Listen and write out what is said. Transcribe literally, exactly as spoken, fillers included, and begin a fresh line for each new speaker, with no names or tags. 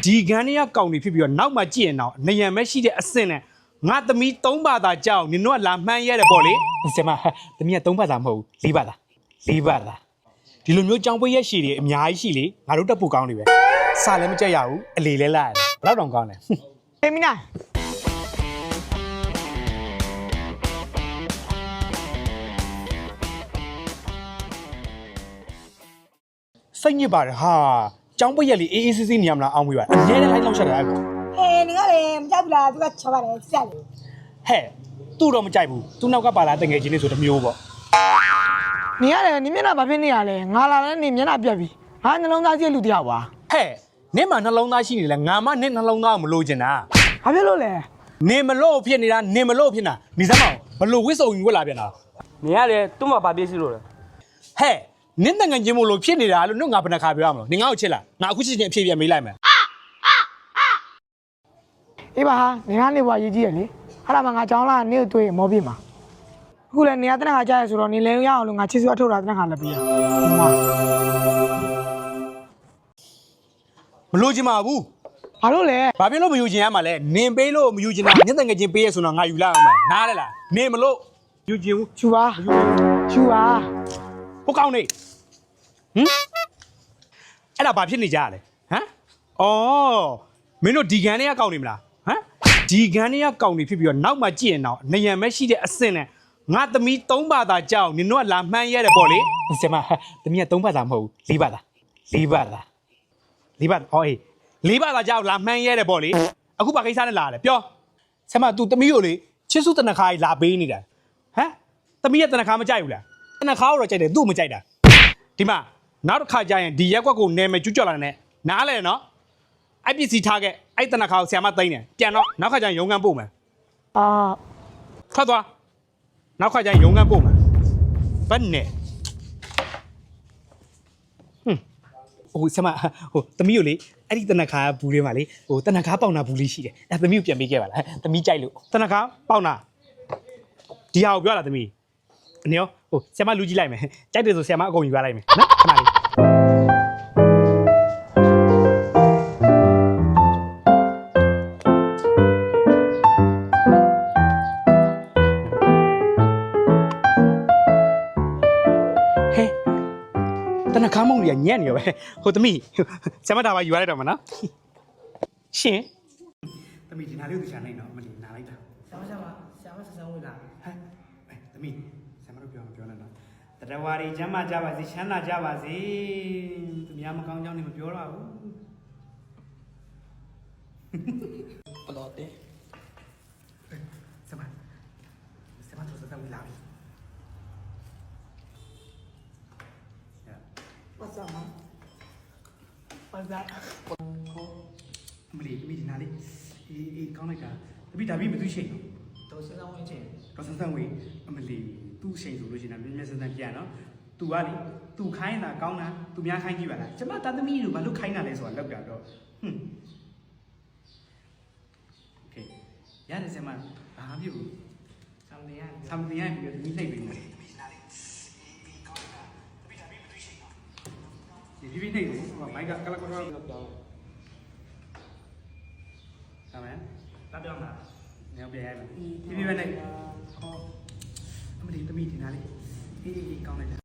ဒီကန်းတွေကကောင်းနေဖြစ်ပြီးတော့နောက်မှကြည့်ရင်တော့နေရံမဲ့ရှိတဲ့အဆင့်နဲ့ငါသမီးသုံးဘာသာကြောက်နင်တို့ကလာမှန်းရတယ်ပေါ့လေဆရာမသမီးကသုံးဘာသာမဟုတ်ဘူးလေးဘာသာလေးဘာသာဒီလိုမျိုးကြောင်ပွေးရက်ရှည်တွေအများကြီးရှိလေငါတို့တက်ပူကောင်းနေပဲစာလည်းမကြက်ရဘူးအလေလဲလာရတယ်ဘယ်တော့တောင်ကောင်းလဲ
အေးမနာ
စိတ်ညစ်ပါတယ်ဟာကျောင်းပွေးရက်လေးအေးအေးဆေးဆေးနေရမလားအောင်းမေးပါအများနဲ့လိုက်လောက်ချက်တာအဲ့ကောင်
ဟဲ့နင်ကလေမကြိုက်ဘူးလားသူကချောပါတယ်စက်လေ
ဟဲ့သူ့တော့မကြိုက်ဘူးသူ့နောက်ကပါလာတငယ်ချင်းလေးဆိုတမျိုးပေါ့
နင်ရတယ်နင်မျက်နှာဘာဖြစ်နေရလဲငါလာလဲနင်မျက်နှာပြက်ပြီငါနှလုံးသားကြီးလူတယောက်ပါ
ဟဲ့နင့်မှာနှလုံးသားရှိနေလဲငါမှနင့်နှလုံးသားကိုမလို့ချင်တာ
ဘာဖြစ်လို့လဲ
နင်မလို့ဖြစ်နေတာနင်မလို့ဖြစ်နေတာနေစမ်းမအောင်ဘလို့ဝစ်စုံယူဝက်လာပြန်တာ
နင်ကလေသူ့မှာဘာပြည့်စီလို့လဲ
ဟဲ့နင့်တငယ်ချင်းမို့လို့ဖြစ်နေတာလို့နှုတ်ငါဘယ်နှခါပြောရမလို့နင်ငါ့ကိုချစ်လားငါအခုချစ်ချင်းအဖြေပြန်မေးလိုက်မယ်
အေးပါဟာနင်ကနေဘွားရေးကြီးရလေအဲ့ဒါမှငါကြောင်းလာနင့်ကိုတွေ့မောပြမှာအခုလည်းနေရာတနခါကြားရဆိုတော့နင်လဲရအောင်လို့ငါချစ်စွာထုတ်တာတနခါလည်းပြရ
မလို့ချင်ပါဘူး
ဘာလို့လဲ
ဘာဖြစ်လို့မယူချင်ရမှာလဲနင်ပေးလို့မယူချင်တာညက်တငယ်ချင်းပေးရဆိုတော့ငါယူလိုက်အောင်မယ်နားလဲလားနင်မလို့ယူချင်ဘူး
ယူပါယူပါ
ဟုတ်ကောင်းနေဟမ်အဲ့ဒါဘာဖြစ်နေကြရလဲဟမ်အော်မင်းတို့ဒီကန်တွေကကောင်းနေမလားဟမ်ဒီကန်တွေကကောင်းနေဖြစ်ပြီးတော့နောက်မှကြည့်ရင်တော့နေရံမဲ့ရှိတဲ့အဆင့်နဲ့ငါသမီးသုံးဘာသာကြောက်နင်တို့ကလာမှန်းရတယ်ပေါ့လေဆရာမသမီးကသုံးဘာသာမဟုတ်ဘူးလေးဘာသာလေးဘာသာလေးဘာသာဟောအေးလေးဘာသာကြောက်လာမှန်းရတယ်ပေါ့လေအခုဘာကိစ္စနဲ့လာလဲပြောဆရာမ तू သမီးကိုလေချစ်စုတနခါကြီးလာပေးနေတာဟမ်သမီးရဲ့တနခါမကြိုက်ဘူးလားတနခါတော့ကြိုက်တယ်သူ့မကြိုက်တာဒီမှာနောက်တစ်ခါကျရင်ဒီရက်ကွက်ကိုနယ်မယ်ကျွတ်ကြော်လာနေနားလဲနော်အဲ့ပစ္စည်းထားခဲ့အဲ့တနခါကိုဆရာမသိမ်းတယ်ပြန်တော့နောက်ခါကျရင်ရုံကန်ပို့မယ်
အာ
ထွက်သွားနောက်ခါကျရင်ရုံကန်ပို့မယ်ဘယ်နဲ့ဟွန်းဟိုဆရာမဟိုသမီးကိုလေအဲ့ဒီတနခါဘူးလေးမှာလေဟိုတနခါပေါင်နာဘူးလေးရှိတယ်အဲ့သမီးကိုပြန်ပေးခဲ့ပါလားသမီးကြိုက်လို့တနခါပေါင်နာဒီဟာကိုပြောလားသမီးအနေရောဟိုဆရာမလူကြည့်လိုက်မယ်ကြိုက်တယ်ဆိုဆရာမအကုန်ယူရလိုက်မယ်နော်ခဏလေးဟဲ့တနခါမုံကြီးညံ့နေရောပဲဟိုသမီးဆရာမဒါပါယူရလိုက်တော့မနော်ရှင်သမီးဒီနာလေးကိုချာနိုင်တော့မလီနာလိုက်တာ
ဆရာမဆရာမဆရာမဆက်ဆံဝင်လာ
ဟဲ့သမီးဆရာမတို့ပြောမပြောနဲ့နော်တတဝါရီချမ်းသာကြပါစေချမ်းသာကြပါစေသူများမကောင်းကြောင်းနေမပြောတော့ဘူး
ဘလို့တဲ့
ဆရာမဆရာမတို့စတဲ့ဝင်လာပြီ
What's up man What's that
အမလီသမီးဒီနာလေးအေးအေးကောင်းလိုက်တာသမီးဒါပြီးမသူရှိန်
တော့ဆက်ဆံဝင်ချင်း
တော့ဆက်ဆံဝင်အမလီသူ့ရှိန်ဆိုလို့ရှိရင်မြဲမြဲဆက်ဆံပြန်နော်သူကလေသူခိုင်းတာကောင်းတာသူများခိုင်းကြည့်ပါလားကျမတာသမီးတို့ဘာလို့ခိုင်းတာလဲဆိုတာလောက်တာတော့ဟွန်းโอเคရတယ်ဆရာမဘာမှမဖြစ်ဘူး
something ရ
something ရပြီးတော့သမီးနှိပ်ပြီးမယ်ဒီပြီးနေတယ်ဟိုမိုက်ကကလကတော့ပြောင်းဆမ်းမယ်တပ်ပြောင်းတာနေအောင်ပြန်ရမယ်ဒီပြီးပဲနေဟောအမလီသမီးဒီနားလေးအေးအေးကောင်းလိုက်တာ